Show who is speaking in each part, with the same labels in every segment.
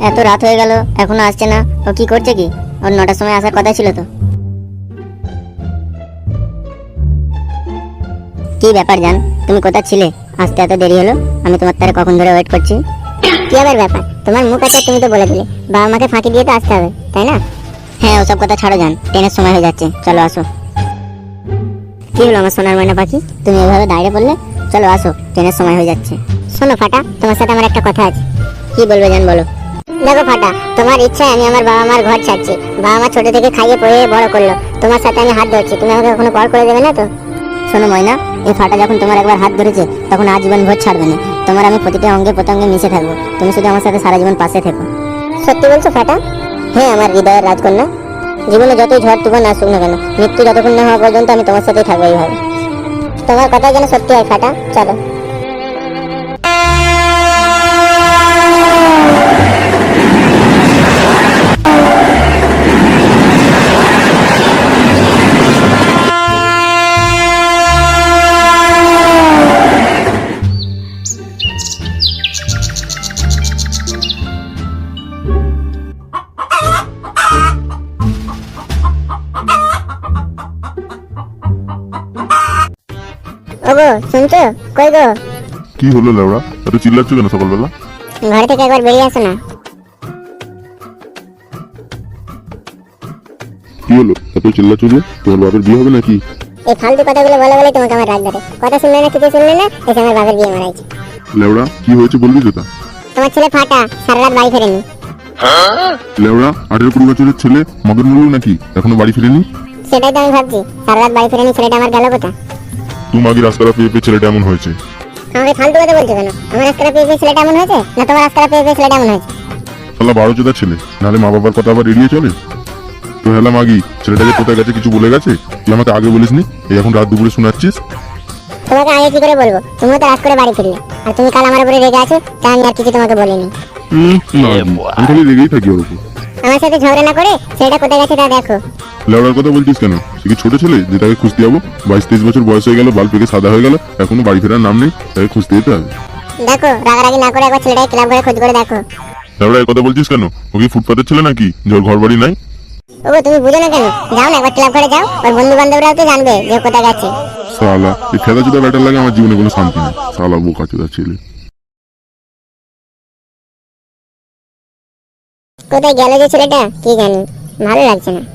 Speaker 1: এত রাত হয়ে গেল এখনো আসছে না। ও কি করছে কি? ওর 9টার সময় আসার কথা ছিল তো। কি ব্যাপার জান, তুমি কোথায় ছিলে? আসতে এত দেরি হলো, আমি তোমার তারে কখন ধরে ওয়েট করছি। কি আবার ব্যাপার, তোমার মুখ আছে তুমি তো বলে দিলে বাবা মাকে ফাঁকি দিয়ে তো আসতে হবে, তাই না? হ্যাঁ, ওসব কথা ছাড়ো জান, ট্রেনের সময় হয়ে যাচ্ছে, চলো আসো। কি হলো আমার সোনার ময়না পাখি, তুমি এভাবে দাঁড়িয়ে পড়লে? চলো আসো, ট্রেনের সময় হয়ে যাচ্ছে। শোনো ফাটা, তোমার সাথে আমার একটা কথা আছে। কি বলবে জান, বলো। দেখো ফাটা, তোমার ইচ্ছায় আমি আমার বাবা মার ঘর ছাড়ছি। বাবা মা ছোট থেকে খাইয়ে পড়িয়ে বড় করলো, তোমার সাথে আমি হাত ধরছি, তুমি আমাকে কখনো পর করে দেবে না তো? শোনো ময়না, এই ফাটা যখন তোমার একবার হাত ধরেছে তখন আজীবন ভোর ছাড়বে না। তোমার আমি প্রতিটা অঙ্গে প্রত্যঙ্গে মিশে থাকবো, তুমি শুধু আমার সাথে সারা জীবন পাশে থেকো। সত্যি বলছো ফাটা? হ্যাঁ, আমার হৃদয়ের রাজকন্যা। জীবনে যতই ঝড় তুফান আসুক না কেন, মৃত্যু যতক্ষণ না হওয়া পর্যন্ত আমি তোমার সাথেই থাকবো এইভাবে। তোমার কথা যেন সত্যি হয় ফাটা, চলো। ওগো শুনছো? কই গো?
Speaker 2: কি হলো লেওড়া, এত চিল্লাচ্ছ কেন সকালবেলা?
Speaker 1: ঘর থেকে একবার বেরিয়ে আসো না।
Speaker 2: কি হলো এত চিল্লাচ্ছ যে? তোমার বাপের বিয়ে হবে নাকি?
Speaker 1: এই ফালতু কথাগুলো বলে বলে তোমাকে আমার রাগ ধরে। কথা শুনলে না, কিছু শুনলে না, এসে আমার বাবার বিয়ে মারাইছে।
Speaker 2: লেওড়া কি হয়েছে বলবি তো? তা
Speaker 1: তোমার ছেলে ফাটা সারা রাত বাড়ি ফেরেনি।
Speaker 2: লেওড়া 18-20 বছরের ছেলে মগের মূল্য নাকি এখনো বাড়ি ফিরেনি?
Speaker 1: সেটাই তো আমি ভাবছি, সারা রাত বাড়ি ফেরেনি ছেলেটা, আমার গেল কোথা?
Speaker 2: তুই মাগি রাস্তাটা পেয়ে পেয়ে ছেলেটা এমন হয়েছে।
Speaker 1: আমাকে ফালতু কথা বলছো কেন? আমার রাস্তাটা পেয়ে পেয়ে ছেলেটা এমন হয়েছে, না তোমার রাস্তাটা পেয়ে পেয়ে ছেলেটা এমন হয়েছে?
Speaker 2: শালা 12 ছেলে, নাহলে মা বাবার কথা আবার এড়িয়ে চলে। তো হেলা মাগি, ছেলেটা যে কোথায় গেছে কিছু বলে গেছে? তুই আমাকে আগে বলিসনি, এই এখন রাত দুপুরে শোনাচ্ছিস?
Speaker 1: তোমাকে আগে কি করে বলবো? তুমিও তো রাত করে বাড়ি ফিরলে, আর তুমি কাল আমার উপরে রেগে আছো, তাই আমি আর কিছু তোমাকে বলিনি।
Speaker 2: আমি খালি রেগেই থাকি ওর উপর।
Speaker 1: আমার সাথে ঝগড়া না করে ছেলেটা কোথায় গেছে তা দেখো।
Speaker 2: লেওড়ার কথা বলছিস কেন? সে কি ছোট ছেলে যে তাকে খুঁজতে যাবো? 22-23 বছর বয়স হয়ে গেল, বাল পেকে সাদা হয়ে গেল, এখনো বাড়ি ফেরার নাম নেই, তাকে খুঁজতে যেতে হবে।
Speaker 1: দেখো, রাগারাগি না করে একবার ছেলেটাকে ক্লাব ঘরে খোঁজ করে দেখো।
Speaker 2: লেওড়া এই কথা বলছিস কেন? ও কি ফুটপাতের ছেলে নাকি যার ঘর বাড়ি নাই?
Speaker 1: ওগো তুমি বুঝো না কেন? যাও না একবার ক্লাব ঘরে যাও, ওর বন্ধু বান্ধবরাও তো জানবে যে ও কোথায় গেছে।
Speaker 2: শালা এই খেলা চুদা ব্যাটার লাগে আমার জীবনে কোনো শান্তি নেই। শালা বোকা চুদা ছেলে।
Speaker 1: কোথায় গেল যে ছেলেটা কি জানি, ভালো লাগছে না।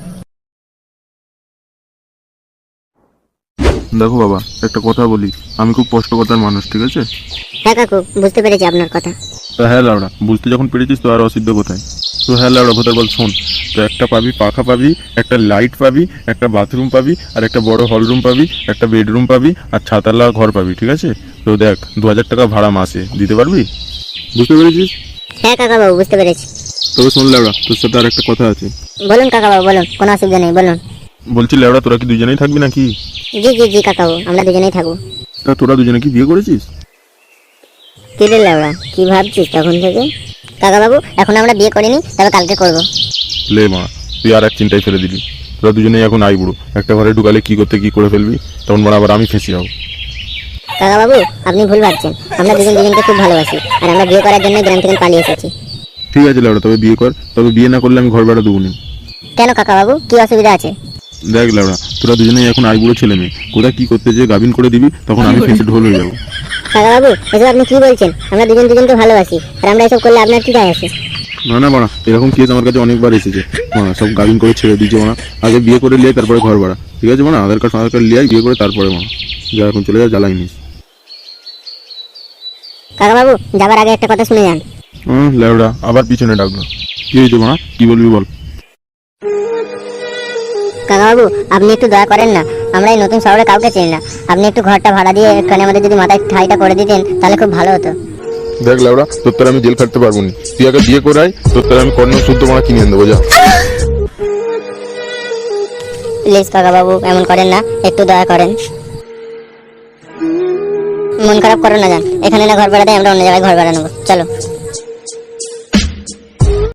Speaker 3: দেখো বাবা, একটা কথা বলি, আমি খুব কষ্টকর্তার মানুষ, ঠিক আছে?
Speaker 1: হ্যাঁ কাকু, বুঝতে পেরেছি আপনার কথা।
Speaker 3: তো হ্যাঁ লাউড়া, বুঝতে যখন পেরেছিস তো আর অসিদ্ধ কোথায়? তো হ্যাঁ লাউড়া ভোতার বল শোন, তো একটা পাবি পাখা পাবি, একটা লাইট পাবি, একটা বাথরুম পাবি, আর একটা বড় হলরুম পাবি, একটা বেডরুম পাবি, আর ছাতালা ঘর পাবি, ঠিক আছে? তো দেখ 2000 টাকা ভাড়া মাসে দিতে পারবি? বুঝতে পেরেছিস?
Speaker 1: হ্যাঁ কাকা বাবু, বুঝতে পেরেছি।
Speaker 3: তবে শোন লাউড়া, তোর সাথে আর একটা কথা আছে।
Speaker 1: বলুন কাকা বাবু, বলুন, কোনো অসুবিধা নেই, বলুন।
Speaker 3: বলছি লাউড়া, তোরা কি দুজনেই থাকবি নাকি?
Speaker 1: জি জি জি কাকা বাবু, আমরা দুজনেই থাকবো।
Speaker 3: তা তোরা দুজনে কি বিয়ে করেছিস?
Speaker 1: কি রে লাউড়া, কি ভাবছিস তখন থেকে? কাকা বাবু, এখন আমরা বিয়ে করিনি, তবে কালকে করব।
Speaker 3: লে মা, তুই আর এক চিন্তায় ফেলে দিলি। তোরা দুজনেই এখন আই বুড়ো, একটা ঘরে ঢুকালে কি করতে কি করে ফেলবি, তখন বড় আবার আমি ফেঁসে যাবো।
Speaker 1: কাকা বাবু, আপনি ভুল ভাবছেন, আমরা দুজন দুজনকে খুব ভালোবাসি, আর আমরা বিয়ে করার জন্য গ্রাম থেকে পালিয়ে এসেছি।
Speaker 3: ঠিক আছে লাউড়া, তবে বিয়ে কর, তবে বিয়ে না করলে আমি ঘর ভাড়া দেবো না।
Speaker 1: কেন কাকা বাবু, কি অসুবিধা আছে?
Speaker 3: দেখ লাউড়া, তোরা দুজনেই এখন আই বুড়ো ছেলে মেয়ে, কোথায় কি করতে যে গাবিন করে দিবি, তখন আমি ফেঁসে ঢোল হয়ে যাবো।
Speaker 1: কাকা বাবু, এসব আপনি কি বলছেন? আমরা দুজন দুজনকে ভালোবাসি, আর আমরা এসব করলে আপনার কি যায় আসে?
Speaker 3: না না মানা, এরকম কেস আমার কাছে অনেকবার এসেছে। মানা সব গাবিন করে ছেড়ে দিয়েছে মানা, আগে বিয়ে করে লিয়ে তারপরে ঘর ভাড়া, ঠিক আছে মানা? আধার কার্ড লিয়ে বিয়ে করে তারপরে মানা যা, এখন চলে যা, জ্বালাই নিস।
Speaker 1: কাকা বাবু, যাবার আগে একটা কথা শুনে যান।
Speaker 3: লাউড়া আবার পিছনে ডাকলো। কি হয়েছে মানা, কি বলবি বল।
Speaker 1: কাকা বাবু, আপনি একটু দয়া করেন না, আমরা এই নতুন শহরে কাউকে চিনি না, আপনি একটু ঘরটা ভাড়া দিয়ে একটুখানি আমাদের যদি মাথায় ঠাইটা করে দিতেন তাহলে খুব ভালো হতো।
Speaker 3: দেখ লাউড়া, তোর তার আমি জেল খাটতে পারবো না, তুই আগে বিয়ে করে আয়, তোর তার আমি কর্ণ শুদ্ধ মানা কিনে দেবো, যা।
Speaker 1: প্লিজ কাকা বাবু, এমন করেন না, একটু দয়া করেন। মন খারাপ করো না, যান, এখানে না ঘর ভাড়া দেয়, আমরা অন্য জায়গায় ঘর ভাড়া নেবো, চলো।